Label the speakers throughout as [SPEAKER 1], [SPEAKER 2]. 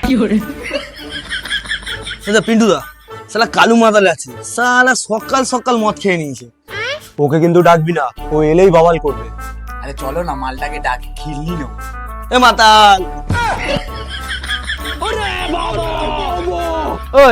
[SPEAKER 1] পিন্টুদা শালা কালু মাতালে আছে, শালা সকাল সকাল মদ খেয়ে নিয়েছে।
[SPEAKER 2] ওকে কিন্তু ডাকবি না, ও এলেই বাবাল করবে।
[SPEAKER 3] আরে চলো না মালটাকে ডাকি, খিল্লি নেবো।
[SPEAKER 1] এ মাতাল, ওই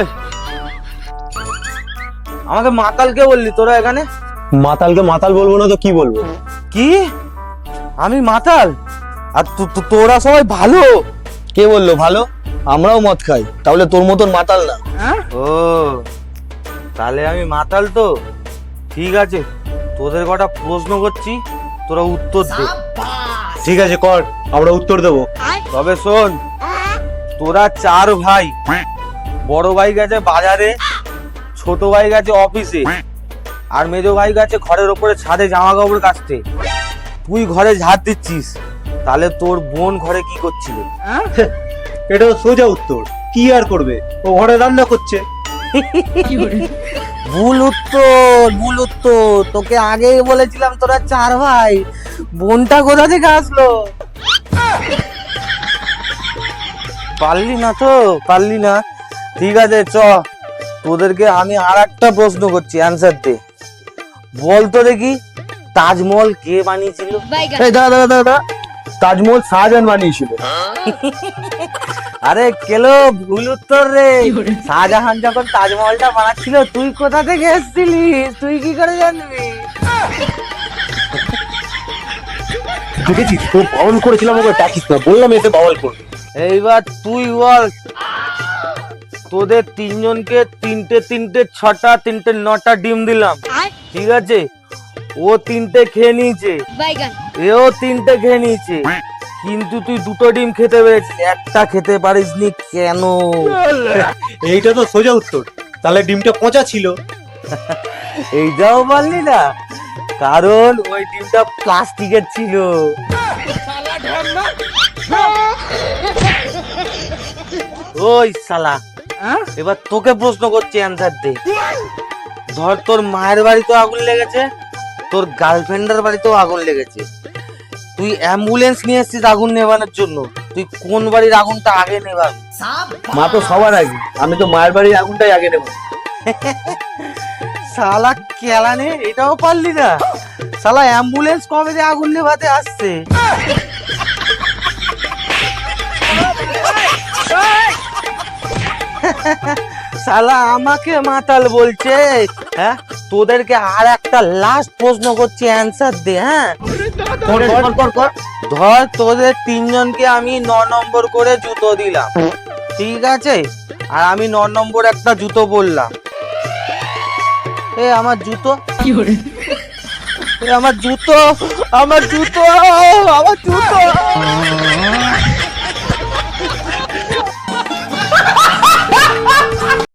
[SPEAKER 1] আমাকে মাতাল কে বললি তোরা এখানে?
[SPEAKER 2] মাতালকে মাতাল বলবো না তো কি বলবো?
[SPEAKER 1] কি আমি মাতাল আর তোরা সবাই ভালো? কে বললো ভালো? আমরাও মদ খাই, তাহলে তোর মতন মাতাল না। ও তাহলে আমি মাতাল তো ঠিক আছে, তোদের কটা প্রশ্ন করছি, তোরা উত্তর দে।
[SPEAKER 2] ঠিক আছে কর, আমরা উত্তর দেবো।
[SPEAKER 1] তবে শোন, তোরা 4 ভাই, বড় ভাই গেছে বাজারে, ছোট ভাই গেছে অফিসে, আর মেজো ভাই গেছে ঘরের ওপরে ছাদে জামা কাপড় কাচতে। তুই ঘরে ঝাড় দিচ্ছিস, তাহলে তোর বোন ঘরে কি করছিল?
[SPEAKER 2] এটা তো সোজা উত্তর, কি আর করবে, ও ঘরে রান্না করছে।
[SPEAKER 1] ভুল উত্তর, ভুল উত্তর। তোকে আগেই বলেছিলাম তোরা 4 ভাই, বোনটা কোথা থেকে আসলো? পারলি না তো, পারলি না। ঠিক আছে চ, তোদেরকে আমি আর একটা প্রশ্ন করছি, অ্যান্সার দে। বল তো দেখি, তাজমহল কে বানিয়েছিল?
[SPEAKER 2] এই দাদা দাদা দাদা, তাজমহল শাহজাহান বানিয়েছিল।
[SPEAKER 1] আরে কেলো, ভুল উত্তর রে। শাহজাহান যখন তাজমহলটা বানাচ্ছিল, তুই কোথা থেকে এসেছিলিস? তুই কি করে জানবি?
[SPEAKER 2] দেখেছিস, তো বাউল করেছিলাম, ওকে ডাকিস না, বললাম এসে বাউল করবে।
[SPEAKER 1] এইবার তুই বল, তোদের 3 জনকে 3টে 3টে 6টা 3টে 9টা ডিম দিলাম, ঠিক আছে? ও 3টে খেয়ে নিয়েছে, এও 3টে খেয়ে নিয়েছে, কিন্তু তুই 2টো ডিম খেতে পেরেছিস, একটা খেতে পারিসনি কেন?
[SPEAKER 2] এইটা তো সোজা উত্তর, তাহলে ডিমটা পচা ছিল।
[SPEAKER 1] এইটাও বললি না, কারণ ওই ডিমটা প্লাস্টিকের ছিল। ওই শালা, এবার তোকে প্রশ্ন করছি, অ্যান্সার দে। ধর তোর মায়ের বাড়িতেও আগুন লেগেছে, তোর গার্লফ্রেন্ডের বাড়িতেও আগুন লেগেছে, তুই অ্যাম্বুলেন্স নিয়ে এসেছিস আগুন নেভানোর জন্য, তুই কোন বাড়ির আগুনটা আগে নেভাবি?
[SPEAKER 2] মা তো সবার আগে, আমি তো মায়ের বাড়ির আগুনটাই আগে নেব।
[SPEAKER 1] শালা কেলানে, এটাও পারলি না? শালা অ্যাম্বুলেন্স কবে যে আগুন নেভাতে আসছে? শালা আমাকে মাতাল বলছে। হ্যাঁ, তোদেরকে আর একটা লাস্ট প্রশ্ন করছি, অ্যান্সার দে। হ্যাঁ ধর তোদের 3 জনকে আমি 9 নম্বর করে জুতো দিলাম, ঠিক আছে? আর আমি 9 নম্বর একটা জুতো বললাম, এ আমার জুতো, আমার জুতো, আমার জুতো, আমার জুতো।